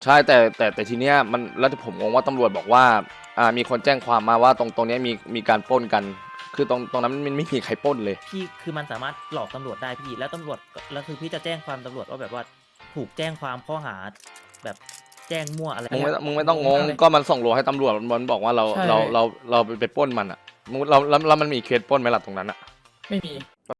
ใช่แต่ทีเนี้ยมันแล้วผมงงว่าตำรวจบอกว่ามีคนแจ้งความมาว่าตรงเนี้ยมีการปล้นกันคือตรงนั้นมันไม่มีใครปล้นเลยพี่คือมันสามารถหลอกตำรวจได้พี่แล้วตำรวจแล้วคือพี่จะแจ้งความตำรวจว่าแบบว่าถูกแจ้งความข้อหาแบบแจ้งมั่วอะไรมึงไม่ต้องงงก็มันส่งโลให้ตำรวจมันบอกว่าเราใช่เราไปปล้นมันอ่ะมึงแล้วมันมีเคสปล้นไหมล่ะตรงนั้นอ่ะไม่มี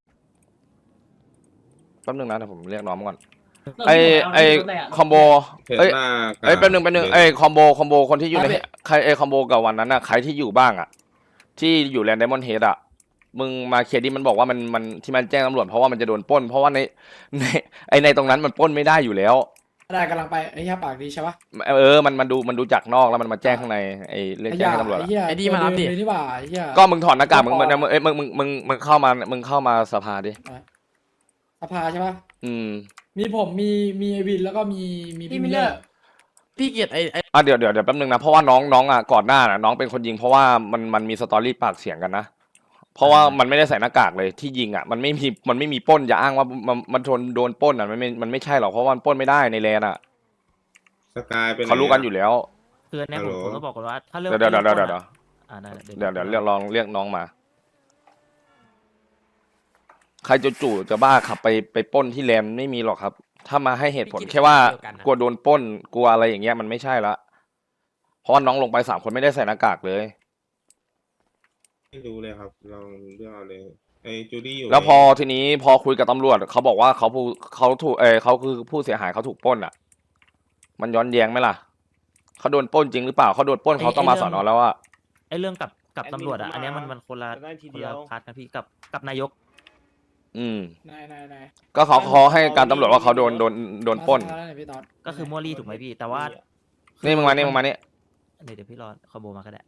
แป๊บนึงนะเดี๋ยวผมเรียกน้องก่อนเราไอที่ผมไอเอาที่รถเลยะคอมโบเห็นเอ้ยหน้าเอ้ยแป๊บนึงไอคอมโบคนที่อยู่ในครับใครไอคอมโบกับวันนั้นอ่ะใครที่อยู่บ้างอ่ะที่อยู่แลนด์ไดมอนด์เฮดอ่ะมึงมาเคลียร์ดิมันบอกว่ามันที่มันแจ้งตำรวจเพราะว่ามันจะโดนปล้นเพราะว่าในตรงนั้นมันปล้นไม่ได้อยู่แล้วได้กำลังไปไอ้เหี้ยปากดีใช่ปะมันดูจากนอกแล้วมันมาแจ้งข้างในไอเรื่องแจ้งให้ตำรวจไอ้อะเหี้ยไอ้นี่มารับดิตัวเดิเลยนี่หว่าไอ้เหี้ยก็มึงถอดหน้ากากมึงเข้ามาสภาดิสภาใช่ปะอืมมีผมมีไอวินแล้วก็มีพี่มิลเลอร์พี่เกียรติไอ้เดี๋ยวแป๊บนึงนะเพราะว่าน้องอ่ะก่อนหน้าน่ะน้องเป็นคนยิงเพราะว่ามันมีสตอรี่ปากเสียงกันนะเพราะว่ามันไม่ได้ใส่หน้ากากเลยที่ยิงอ่ะมันไม่มีปล้นอย่าอ้างว่ามันโดนปล้นอ่ะมันไม่ใช่หรอกเพราะว่ามันปล้นไม่ได้ในแลนอ่ะสกายเป็นเขารู้กันอยู่แล้วคือเนี่ยผมก็บอกกันว่าถ้าเรื่องเดี๋ยวเรื่องปล้นเดี๋ยวอะได้เดี๋ยวลองเรียกน้องมาใครจู่ๆจะบ้าขับไปปล้นที่แลนไม่มีหรอกครับ ถ้ามาให้เหตุผลแค่ว่ากลัวโดนปล้นกลัวอะไรอย่างเงี้ยมันไม่ใช่ละเพราะว่าน้องลงไป3 คนไม่ได้ใส่หน้ากากเลยไม่รู้เลยครับลองเลือกเอาเลยไอ้จูดี้อยู่แล้วพอทีนี้พอคุยกับตำรวจเขาบอกว่าเขาถูกเขาคือผู้เสียหายเขาถูกปล้นอ่ะ มันย้อนแย้งไหมล่ะเขาโดนปล้นจริงหรือเปล่าเขาโดนปล้นเขาต้องมาสอนอแล้วอ่ะไอ้เรื่องกับตำรวจอ่ะอันเนี้ยมันคนละได้ทีคนเดียละวพาร์ทกันพี่กับนายกอืมนายก็เขาให้การตำรวจว่าเขาโดนปล้นมาสภาแล้วเยพี่ตอดก็คือมัวรี่ถูกไหมพี่ แต่ว่านี่มึงมานี่เดี๋ยวพี่รอคอมโบมาก็ได้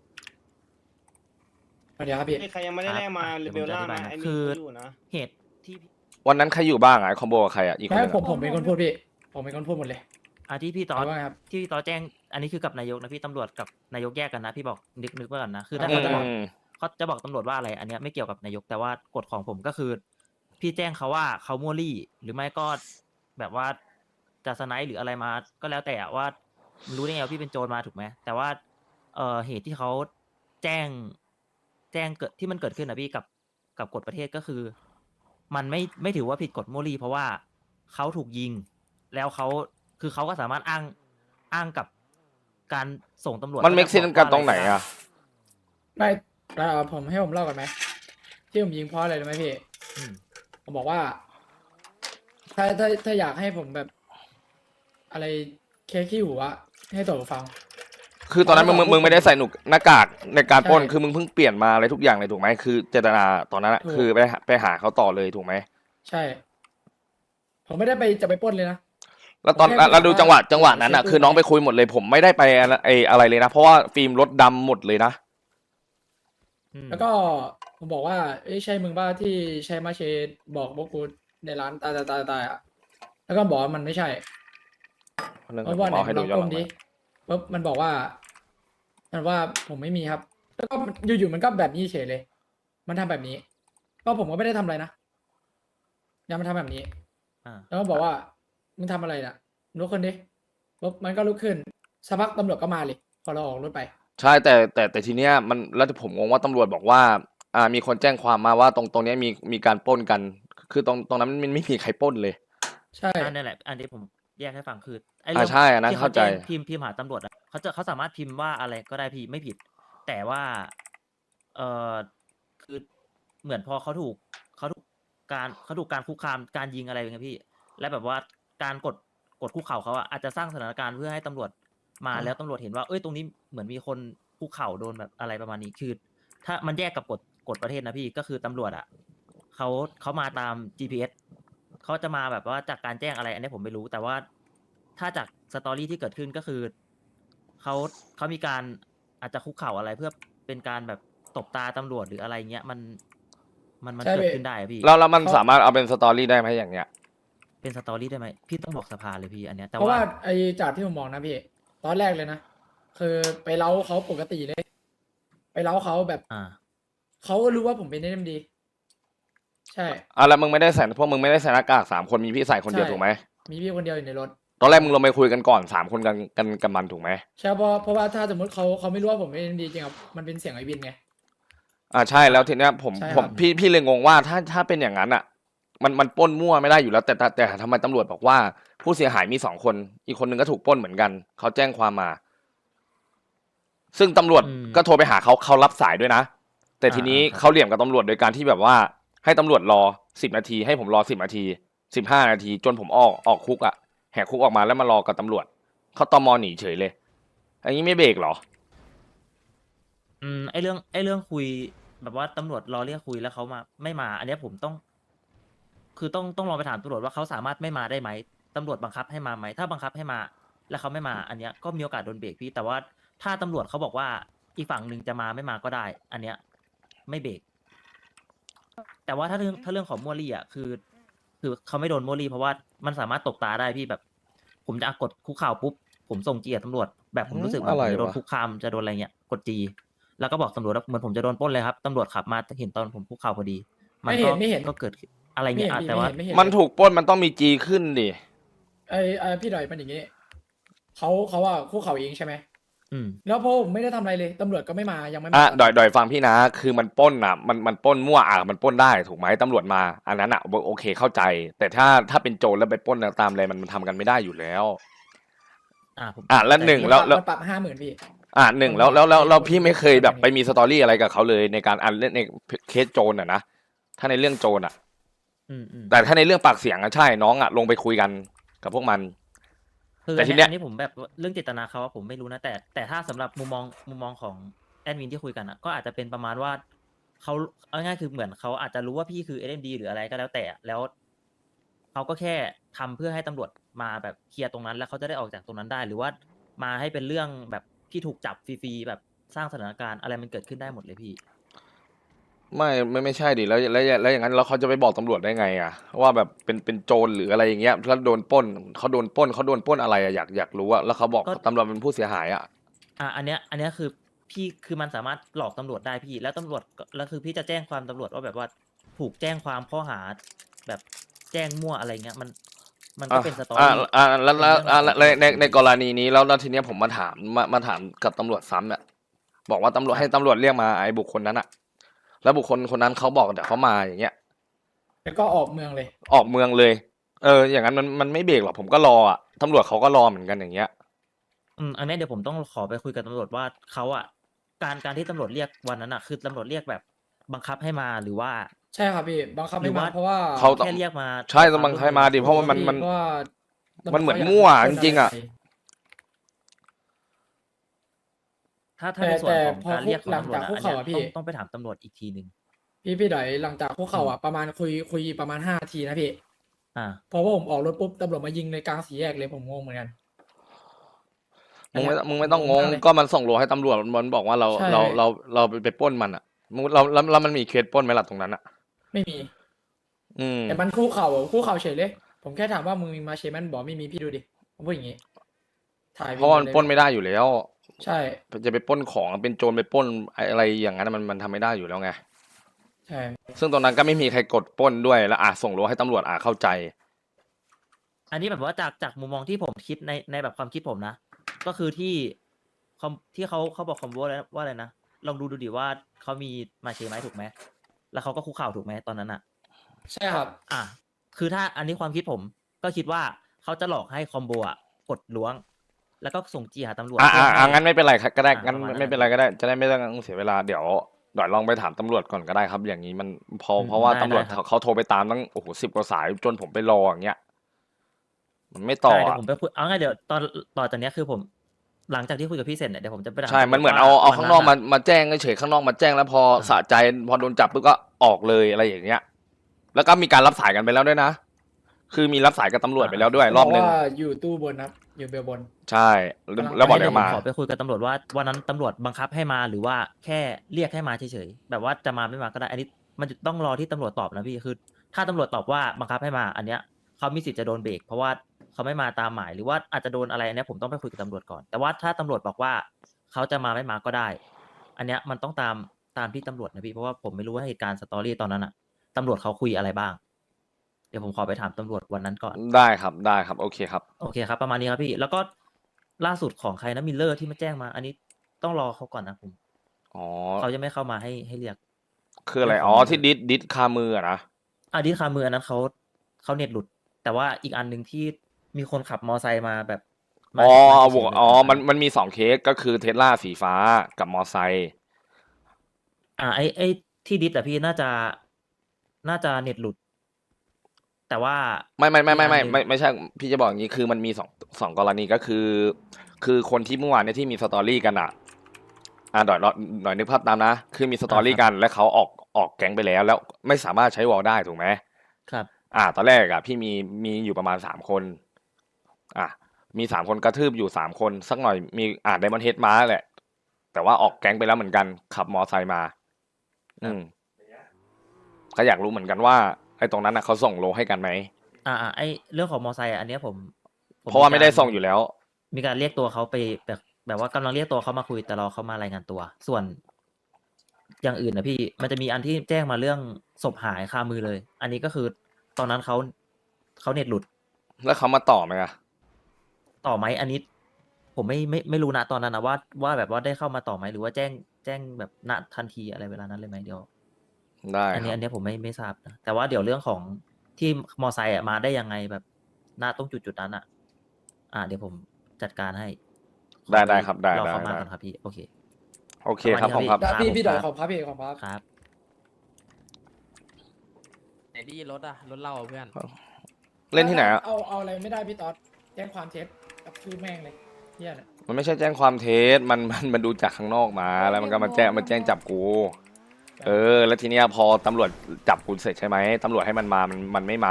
เดี๋ยวครับพี่ใครยังไม่ได้แลกมาครับเรเบลล่าเดี๋ยวผมจะอธิบายนะนะไอ้คืนี่ออยู่นะเหตุที่วันนั้นใครอยู่บ้างอ่ะไอ้คอมโบกับใครอ่ะอีกคนไม่นึงผมเป็นคนพูดพี่ผมเป็นคนพูดหมดเลยที่พี่ตอเอาดว่าไงครับที่พี่ตอดแจ้ง อันนี้คือกับนายกนะพี่ตำรวจกับนายกแยกกันนะพี่บอกนึกไว้ก่อนนะคือถ้าอืเขาจะบอกมเขาจะบอกตำรวจว่าอะไร อันเนี้ยไม่เกี่ยวกับนายกแต่ว่ากฎของผมก็คือ พี่แจ้งเขาว่าเขามั่วรี่ หรือไม่ก็แบบว่าจะสไนป์หรืออะไรมา ก็แล้วแต่ว่ารู้ได้ไงว่าพี่เป็นโจรมาถูกไหมแต่ว่าเหตุที่เขาแจ้งเกิดที่มันเกิดขึ้นนะพี่กับกฎประเทศก็คือ มันไม่ถือว่าผิดกฎมั่วรี่เพราะว่าเขาถูกยิง แล้วเขาคือเขาก็สามารถอ้างกับการส่งตำรวจมันเมคเซนกันตรงไหนอ่ะไม่ผมให้ผมเล่าก่อนไหมที่ผมยิงเพราะอะไรรู้ไหมพี่อืมผมบอกว่า ถ้าอยากให้ผมแบบ อะไรเคสขี้หูอะให้ตัวฟังคือตอนนั้นมึงไม่ได้ใส่หน้ากากในการปล้นใช่คือมึงเพิ่งเปลี่ยนมาอะไรทุกอย่างเลยถูกไหมคือเจตนาตอนนั้นอะถูกคือไปหาเขาต่อเลยถูกไหมใช่ ผมไม่ได้จะไปปล้นเลยนะแล้วตอนผมแค่แล้วดูบอกว่าจังหวะนั้นอ่ะเช็คคือน้องดูไปคุยหมดเลยผมไม่ได้ไปอะไรเลยนะ เพราะว่าฟิล์มรถดำหมดเลยนะอืมแล้วก็ผมบอกว่าเอ้ยใช่มึงบ้าที่ใช้มาเชดบอกพวกกูในร้านตายอ่ะ แล้วก็บอกว่ามันไม่ใช่เรื่องเพราะว่าไหนเอาให้ลดูองย้อนก้หมลังดิมาปุ๊บมันบอกว่า ผมไม่มีครับ แล้วก็อยู่ๆมันก็แบบนี้เฉยเลย มันทำแบบนี้ ก็ผมก็ไม่ได้ทำอะไรนะยังมันทำแบบนี้อ่าแล้วก็บอกว่ามึงทำอะไรน่ะลุกขึ้นดิปุ๊บมันก็ลุกขึ้นสักพักตำรวจก็มาเลยพอเราออกรถไปใช่แต่ทีเนี้ยมันแล้วผมงงว่าตำรวจบอกว่ามีคนแจ้งความมาว่าตรงเนี้ยมีการปล้นกัน คือตรงนั้นมันไม่มีใครปล้นเลยใช่นั่นแหละ อันที่ผมแยกให้ฟังคือไอ้อ่าใช่อันนั้นที่เข้าใจแจ้งพิมพ์หาตำรวจอ่ะเขาสามารถพิมพ์ว่าอะไรก็ได้พี่ไม่ผิด แต่ว่าเออคือเหมือนพอเขาถูกการคุกคามการยิงอะไรอย่างเงี้ยพี่ และแบบว่าการกดคุกเข่าเขาอะอาจจะสร้างสถานการณ์เพื่อให้ตำรวจมาแล้วตำรวจเห็นว่าเอ้ยตรงนี้เหมือนมีคนคุกเข่าโดนแบบอะไรประมาณนี้คือ ถ้ามันแยกกับกฎประเทศนะพี่ก็คือตำรวจอ่ะเขามาตาม GPS เขาจะมาแบบว่าจากการแจ้งอะไร อันนี้ผมไม่รู้ แต่ว่าถ้าจากสตอรี่ที่เกิดขึ้นก็คือเขามีการอาจจะคุกเข่าอะไรเพื่อเป็นการแบบตบตาตำรวจหรืออะไรเงี้ยมันใช่เกิดพี่ขึ้นได้อะพี่แล้วมันเขาสามารถเอาเป็นสตอรี่ได้ไหมอย่างเงี้ยเป็นสตอรี่ได้ไหมพี่ต้องบอกสภาเลยพี่อันเนี้ยแต่เพราะว่าว่าไอ้จากที่ผมมองนะพี่ตอนแรกเลยนะคือไปเล้าเขาปกติเลย ไปเล้าเขาแบบ เขาก็รู้ว่าผมเป็นเอ็มดีใช่แล้วมึงไม่ได้ใส่พวกมึงไม่ได้ใส่หน้ากาก3 คนมีพี่ใส่คนเดียวใช่ถูกไหมมีพี่คนเดียวอยู่ในรถตอนแรกมึงลงไปคุยกันก่อน3 คนกันมันถูกไหมใช่เพราะว่าถ้าสมมติเขาไม่รู้ว่าผมเป็น NMD จริงครับมันเป็นเสียงไอวินไงใช่แล้วทีเนี้ยผมใช่ผครัมบพี่เลยงงว่าถ้าเป็นอย่างนั้นอ่ะ มันปล้นมั่วไม่ได้อยู่แล้ว แต่ทำไมตำรวจบอกว่าผู้เสียหายมี2 คน อีกคนนึงก็ถูกปล้นเหมือนกันเขาแจ้งความมา ซึ่งตำรวจก็โทรไปหาเขารับสายด้วยนะ แต่ทีนี้เขาเหลี่ยมกับตำรวจโดยการที่แบบว่าให้ตำรวจรอ10 นาที ให้ผมรอ10 นาที15 นาทีจนผมออกคุกอ่ะแหกคุกออกมาแล้วมารอกับตำรวจเขาตมหนีเฉยเลยอันนี้ไม่เบรกเหรอไอเรื่องคุยแบบว่าตำรวจรอเรียกคุยแล้วเขาไม่มา อันเนี้ยผมต้องลองไปถามตำรวจว่าเขาสามารถไม่มาได้ไหมตำรวจบังคับให้มาไหมถ้าบังคับให้มา แล้วเขาไม่มา อันเนี้ยก็มีโอกาสโดนเบรกพี่ แต่ว่าถ้าตำรวจเขาบอกว่าอีกฝั่งหนึ่งจะมาไม่มาก็ได้ อันเนี้ยไม่เบรกแต่ว่าถ้าเรื่องของมัวรี่อ่ะคือเขาไม่โดนมัวรี่เพราะว่ามันสามารถตบตาได้พี่แบบ ผมจะกดคุกเข่าปุ๊บผมส่งจีตำรวจแบบผมรู้สึกเหมือนผมจะโดนคุกคามจะโดนอะไรเงี้ยกดจีแล้วก็บอกตำรวจว่าเหมือนผมจะโดนปล้นเลยครับตำรวจขับมาเห็นตอนผมคุกเข่าพอดีไม่เห็นก็เกิดอะไรไม่เงี้เห็ยนพี่แต่ว่าไม่เห็นมันถูกปล้นมันต้องมีจีขึ้นดิไอพี่ดอยมันอย่างงี้เขาอะคู่เขาเองใช่ไหม แล้วพอผมไม่ได้ทำอะไรเลยตำรวจก็ไม่มายังไม่มาดอยฟังพี่นะ คือมันปล้นอ่ะมันปล้นมั่วมันปล้นได้ถูกไหมตำรวจมา อันนั้นอ่ะโอเคเข้าใจ แต่ถ้าเป็นโจรแล้วไปปล้นตามอะไรมันทำกันไม่ได้อยู่แล้วผมแล้วหนึ่งมันแล้วมันปรับ50,000พี่หนึ่งแล้วพี่ไม่เคยแบบไปมีสตอรี่อะไรกับเขาเลยในการเล่นในเคสโจรอ่ะนะถ้าในเรื่องโจรอ่ะ แต่ถ้าในเรื่องปากเสียงอ่ะใช่น้องอ่ะลงไปคุยกันกับพวกมันคือแต่ทีเนี้ยอันนี้ผมแบบเรื่องเจตนาเขาอะผมไม่รู้นะแต่ถ้าสำหรับมุมมองของแอดมินที่คุยกันอะก็อาจจะเป็นประมาณว่าเขาเอาง่ายๆคือเหมือนเขาอาจจะรู้ว่าพี่คือ SMD หรืออะไรก็แล้วแต่แล้วเขาก็แค่ทำเพื่อให้ตำรวจมาแบบเคลียร์ตรงนั้น แล้วเขาจะได้ออกจากตรงนั้นได้ หรือว่ามาให้เป็นเรื่องแบบที่ถูกจับฟรีๆแบบสร้างสถานการณ์อะไรมันเกิดขึ้นได้หมดเลยพี่ไม่ใช่ดิแล้วอย่างนั้นแล้วเขาจะไปบอกตำรวจได้ไงอ่ะว่าแบบเป็นโจรหรืออะไรอย่างเงี้ยแล้วโดนปล้นเขาโดนปล้นอะไรอ่ะอยากรู้อ่ะแล้วเขาบอกก็ตำรวจเป็นผู้เสียหายอ่ะอันเนี้ยคือพี่คือมันสามารถหลอกตำรวจได้พี่แล้วตำรวจแล้วคือพี่จะแจ้งความตำรวจว่าแบบว่าถูกแจ้งความข้อหาแบบแจ้งมั่วอะไรเงี้ยมันก็เป็นสตอรี่แล้วในกรณีนี้แล้วทีเนี้ยผมมาถามกับตำรวจซ้ำเนี่ยบอกว่าตำรวจให้ตำรวจเรียกมาไอ้บุคคลนั้นอ่ะ แล้วบุคคลคนนั้นเขาบอกเดี๋ยวเขามาอย่างเงี้ยแล้วก็ออกเมืองเลยออกเมืองเลย อย่างนั้นมันไม่เบรกหรอกผมก็รออ่ะตำรวจเขาก็รอเหมือนกันอย่างเงี้ยอันนี้เดี๋ยวผมต้องขอไปคุยกับตำรวจว่าเขาอ่ะการที่ตำรวจเรียกวันนั้นอ่ะคือตำรวจเรียกแบบบังคับให้มาหรือว่าใช่ครับพี่บังคับหรืไม่อมาว่าเพราะว่าเขาแค่เรียกมาใช่ต้องบังคับมาดิเพราะว่ามันเพราะว่ามันเหมือนมั่วจริงๆอะถ้าในส่วนของแต่พอการเรียกของหลังตำรวจจากอะคุกอันเข่าเนี้ยอะพี่ต้องไปถามตำรวจอีกทีหนึ่งพี่ดอยหลังจากคุกเข่าอะประมาณคุยประมาณ5 นาทีนะพี่อ่าพอผมออกรถปุ๊บตำรวจมายิงในกลางสี่แยกเลยผมงงเหมือนกันมึงไม่ต้องงงมากเลยก็มันส่งโลให้ตำรวจมันบอกว่าเราใช่เราไปปล้นมันอ่ะแล้วมันมีเคสปล้นไหมล่ะตรงนั้นอ่ะไม่มีอืมแต่มันคุกเข่าเฉยเลย ผมแค่ถามว่ามึงมีมาเชมันบอกไม่มีพี่ดูดิผมพูดอย่างงี้ถ่ายเพราะว่ามันปล้นไม่ได้อยู่แล้วใช่จะไปปล้นของเป็นโจรไปปล้นอะไรอย่างนั้นมันทำไม่ได้อยู่แล้วไงใช่ซึ่งตรงนั้นก็ไม่มีใครกดปล้นด้วยแล้วส่งโลให้ตำรวจเข้าใจอันนี้แบบว่าจากมุมมองที่ผมคิดในแบบความคิดผมนะ ก็คือที่เขาบอกคอมโบแล้วว่าอะไรนะลองดูดิว่าเขามีมาเชไหมถูกไหมแล้วเขาก็คุกเข่าถูกไหมตอนนั้นอ่ะใช่ครับคือถ้าอันนี้ความคิดผมก็คิดว่าเขาจะหลอกให้คอมโบอ่ะกดล้วง แล้วก็ส่งจีหาตำรวจงั้นไม่เป็นไรครับก็ได้งั้นประมาณนั้นไม่เป็นไรก็ได้ จะได้ไม่ต้องเสียเวลาเดี๋ยวลองไปถามตำรวจก่อนก็ได้ครับ อย่างนี้มันเพราะว่าได้ตำรวจได้ครับเขาโทรไปตามตั้ง10 กว่าสายจนผมไปรออย่างเงี้ย มันไม่ต่อใช่เดี๋ยวอะผมไปคุยเอาง่ายเดี๋ยวต่อจากเนี้ยคือผม หลังจากที่คุยกับพี่เสร็จเนี่ยเดี๋ยวผมจะไปถามใช่ตำรวจมันเหมือนว่าเอาวัข้างนอกะมาแจ้งเฉยๆข้างนอกมาแจ้งแล้วพอสะใจพอโดนจับปุ๊บก็ออกเลยอะไรอย่างเงี้ย แล้วก็มีการรับสายกันไปแล้วด้วยนะ คือมีรับสายกับตำรวจไปแล้วด้วยรอบนึงบกว่าอยู่ตู้บนครับอยู่เบลบนใช่แล้วบอกเดี๋ยวมาขอไปคุยกับตำรวจว่าวันนั้นตำรวจบังคับให้มาหรือว่าแค่เรียกให้มาเฉยๆแบบว่าจะมาไม่มาก็ได้ อันนี้มันจะต้องรอที่ตำรวจตอบนะพี่คือ ถ้าตำรวจตอบว่าบังคับให้มา อันเนี้ยเขามีสิทธิ์จะโดนเบรกเพราะว่าเขาไม่มาตามหมายหรือว่าอาจจะโดนอะไรอันเนี้ยผมต้องไปคุยกับตำรวจก่อน แต่ว่าถ้าตำรวจบอกว่าเขาจะมาไม่มาก็ได้ อันเนี้ยมันต้องตามที่ตำรวจนะพี่เพราะว่าผมไม่รู้ว่าเหตุการณ์สตอรี่ตอนนั้นอะตำรวจเขาคุยอะไรบ้างดี๋ยวผมขอไปถามตำรวจวันนั้นก่อนได้ครับได้ครับโอเคครับโอเคครับ ประมาณนี้ครับพี่ แล้วก็ล่าสุดของใครนะมิลเลอร์ที่มาแจ้งมา อันนี้ต้องรอเขาก่อนนะผมอ๋อเขาจะไม่เข้ามาให้เรียกคืออะไรเรื่องของอ๋อมันที่ดิสคามืออะนะดิสคามืออันนั้นเขาเน็ตหลุด แต่ว่าอีกอันหนึ่งที่มีคนขับมอไซค์มาแบบมาอ๋อมาบวกเฉยๆเลยอ๋ออัมันมี2เคสก็คือเทสลาสีฟ้ากับมอไซค์ไอ้ที่ดิสอะพี่น่าจะเน็ตหลุด แต่ว่าไม่อีกอันหนึ่งไม่ใช่พี่จะบอกอย่างนี้คือมันมีสองกรณีก็คือคนที่เมื่อวานเนี่ยที่มีสตอรี่กันอ่ะหน่อยนึกภาพตามนะ คือมีสตอรี่กันแล้วเขาออกแก๊งไปแล้วไม่สามารถใช้วอลได้ถูกไหมครับตอนแรกอ่ะพี่มีอยู่ประมาณ3 คนมี3 คนกระทืบอยู่3 คนสักหน่อยมีไดมอนเฮดมาแหละ แต่ว่าออกแก๊งไปแล้วเหมือนกันขับมอไซค์มา ก็อยากรู้เหมือนกันว่าไอ้ตรงนั้นนะเขาส่งโลให้กันไหมไอ้เรื่องของมอไซค์อันเนี้ยผมเพราะว่าไม่ได้ส่งอยู่แล้วมีการเรียกตัวเขาไปแบบว่ากำลังเรียกตัวเขามาคุยแต่รอเขามารายงานตัว ส่วนอย่างอื่นนะพี่มันจะมีอันที่แจ้งมาเรื่องศพหายคามือเลย อันนี้ก็คือตอนนั้นเขาเน็ตหลุดแล้วเขามาต่อไหมอะต่อไหมอันนี้ ผมไม่รู้นะตอนนั้นนะว่าแบบว่าได้เข้ามาต่อไหมหรือว่าแจ้งแบบณทันทีอะไรเวลานั้นเลยไหมเดี๋ยวได้อันคนี้รับอันนี้ผมไม่ทราบนะแต่ว่าเดี๋ยวเรื่องของที่มอไซค์มาได้ยังไงแบบหน้าตรงจุดนั้นเดี๋ยวผมจัดการให้ได้ครับได้รอเขาได้มาได้ก่อนครับพี่โอเคโอเคครับประผมมาณนี้ครับครับพี่ดอยครับขอบครับพี่ขอบครับครับไหนดีรถอะรถเราอะเพื่อนเล่นที่ไหนอะเอาอะไรไม่ได้พี่ต๊อดแจ้งความเท็จกับชื่อแม่งเลยเฮียเนี่ยมันไม่ใช่แจ้งความเท็จมันดูจากข้างนอกมาแล้วมันก็มาแจ้งจับกู แล้วทีเนี้ยพอตำรวจจับกูเสร็จใช่ไหมตำรวจให้มันมามันไม่มา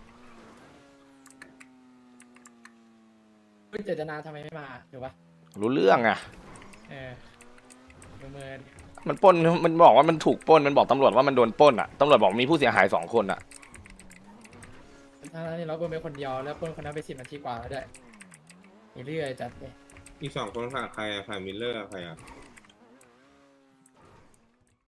เจตนาทำไมไม่มาถูกปะรู้เรื่องอะเออประเมินมันปล้นมันบอกว่ามันถูกปล้นมันบอกตำรวจว่ามันโดนปล้นอะตำรวจบอกมีผู้เสียหาย2 คนอะทั้งนั้นเราเป็นคนเดียวแล้วคนนั้นไป10 นาทีกว่าแล้วด้วยเรื่อยจัดเลยอีก2 คนขาดใครอะขาดมิลเลอร์อะใครอะ